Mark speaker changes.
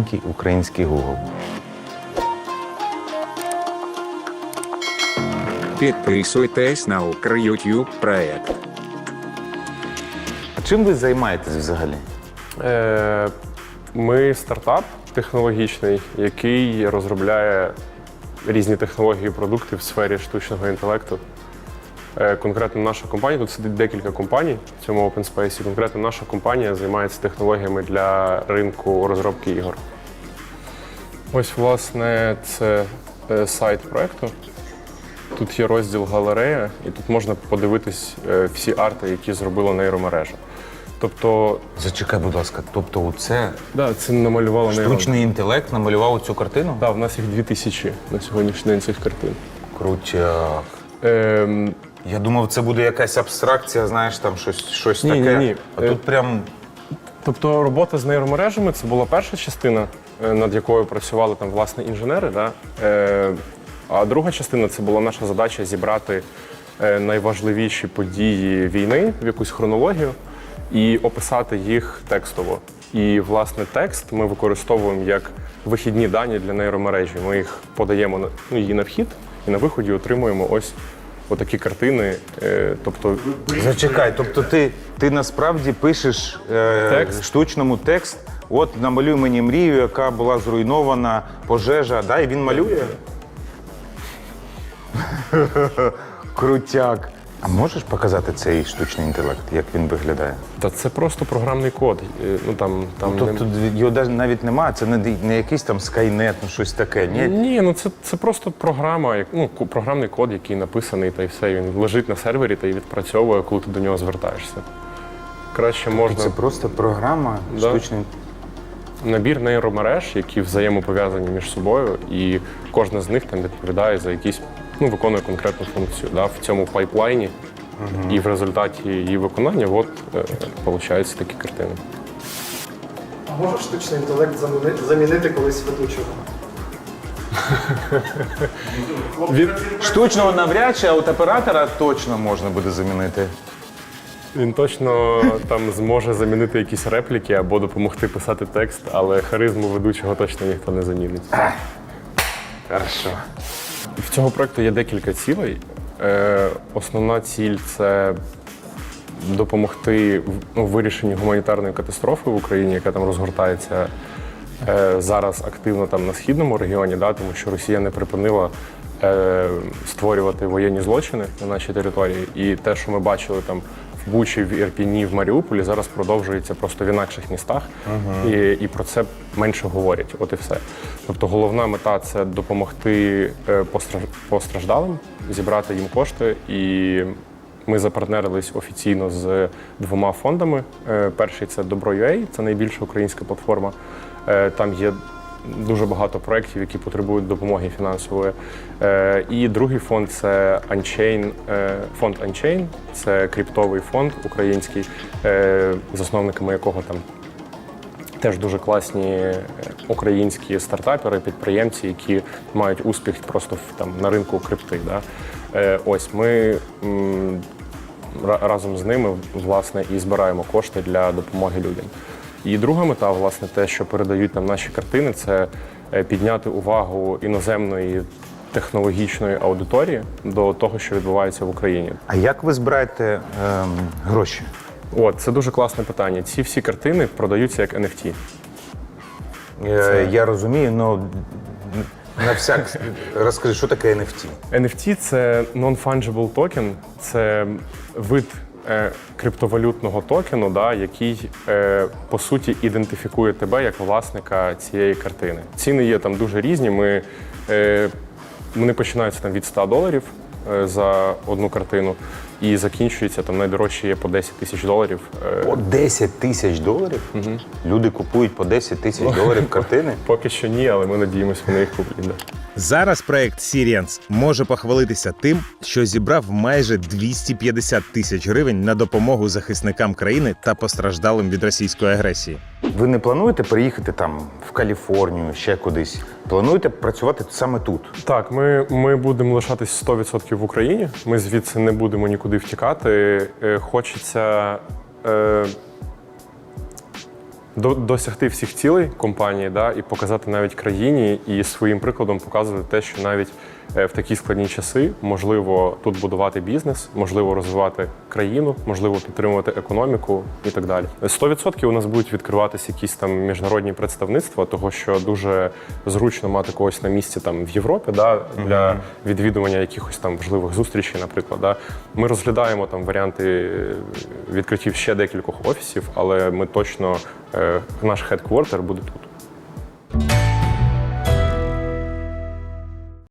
Speaker 1: маленький український Google.
Speaker 2: Підписуйтесь на Укр-YouTube проект.
Speaker 1: А чим ви займаєтесь взагалі?
Speaker 3: Ми стартап технологічний, який розробляє різні технології і продукти в сфері штучного інтелекту. Конкретно наша компанія, тут сидить декілька компаній в цьому Open Space, конкретно наша компанія займається технологіями для ринку розробки ігор. Ось, власне, це сайт проєкту. Тут є розділ галерея, і тут можна подивитись всі арти, які зробила нейромережа. Тобто...
Speaker 1: Зачекай, будь ласка, тобто оце
Speaker 3: це намалювала
Speaker 1: штучний інтелект намалював цю картину?
Speaker 3: Так, в нас їх 2000 на сьогоднішній день цих картин.
Speaker 1: Крутяк. Я думав, це буде якась абстракція, знаєш, там щось таке.
Speaker 3: Ні.
Speaker 1: А тут прям...
Speaker 3: Тобто робота з нейромережами – це була перша частина, над якою працювали там, власне, інженери. Да? А друга частина – це була наша задача зібрати найважливіші події війни в якусь хронологію і описати їх текстово. І, власне, текст ми використовуємо як вихідні дані для нейромережі. Ми їх подаємо її на вхід і на виході отримуємо ось отакі картини. Тобто...
Speaker 1: Зачекай, тобто ти насправді пишеш штучному текст, от намалюй мені мрію, яка була зруйнована, пожежа, да, і він малює? Крутяк. А можеш показати цей штучний інтелект, як він виглядає?
Speaker 3: Та це просто програмний код.
Speaker 1: Тобто його навіть немає, це не якийсь там Skynet, щось таке, ні?
Speaker 3: Ні, це просто програма, програмний код, який написаний, та й все. Він лежить на сервері та й відпрацьовує, коли ти до нього звертаєшся. Краще можна...
Speaker 1: Це просто програма штучний...
Speaker 3: Набір нейромереж, які взаємопов'язані між собою, і кожна з них там відповідає за якісь, виконує конкретну функцію в цьому пайплайні. І в результаті її виконання получаються такі картини.
Speaker 4: А може штучний інтелект замінити колись ведучого?
Speaker 1: Штучного навряд чи, а от оператора точно можна буде замінити.
Speaker 3: Він точно там зможе замінити якісь репліки або допомогти писати текст, але харизму ведучого точно ніхто не замінить.
Speaker 1: Хорошо.
Speaker 3: В цього проєкту є декілька цілей. Основна ціль – це допомогти в вирішенні гуманітарної катастрофи в Україні, яка там розгортається зараз активно там на східному регіоні, тому що Росія не припинила створювати воєнні злочини на нашій території. І те, що ми бачили там в Бучі, в Ірпіні, в Маріуполі, зараз продовжується просто в інакших містах. І про це менше говорять. От і все. Тобто головна мета – це допомогти постраждалим, зібрати їм кошти. І ми запартнерились офіційно з 2 фондами. Перший – це Добро.UA, це найбільша українська платформа. Там є дуже багато проєктів, які потребують допомоги фінансової. І другий фонд – це фонд Unchain. Це криптовий фонд український, засновниками якого там теж дуже класні українські стартапери, підприємці, які мають успіх просто на ринку крипти. Ось ми разом з ними, власне, і збираємо кошти для допомоги людям. І друга мета, власне, те, що передають нам наші картини, це підняти увагу іноземної технологічної аудиторії до того, що відбувається в Україні.
Speaker 1: А як ви збираєте гроші?
Speaker 3: Це дуже класне питання. Ці всі картини продаються як NFT.
Speaker 1: Я розумію, але на всяк розкажи, що таке NFT?
Speaker 3: NFT – це non-fungible token, це вид криптовалютного токену, який, по суті, ідентифікує тебе як власника цієї картини. Ціни є там дуже різні. Вони починаються там від $100 за одну картину і закінчуються, там найдорожчі є по $10 тисяч.
Speaker 1: По $10 тисяч? Угу. Люди купують по $10 тисяч картини?
Speaker 3: Поки що ні, але ми надіємося, вони їх куплять.
Speaker 5: Зараз проект Sirians може похвалитися тим, що зібрав майже 250 тисяч гривень на допомогу захисникам країни та постраждалим від російської агресії.
Speaker 1: Ви не плануєте переїхати там в Каліфорнію, ще кудись? Плануєте працювати саме тут?
Speaker 3: Так, ми будемо лишатись 100% в Україні. Ми звідси не будемо нікуди втікати. Хочеться досягти всіх цілей компанії, да, і показати навіть країні, і своїм прикладом показувати те, що навіть в такі складні часи можливо тут будувати бізнес, можливо розвивати країну, можливо підтримувати економіку і так далі. 100% у нас будуть відкриватися якісь там міжнародні представництва, того що дуже зручно мати когось на місці там в Європі, да, для відвідування якихось там важливих зустрічей, наприклад. Да. Ми розглядаємо там варіанти відкриттів ще декількох офісів, але ми точно, наш хедквартер буде тут.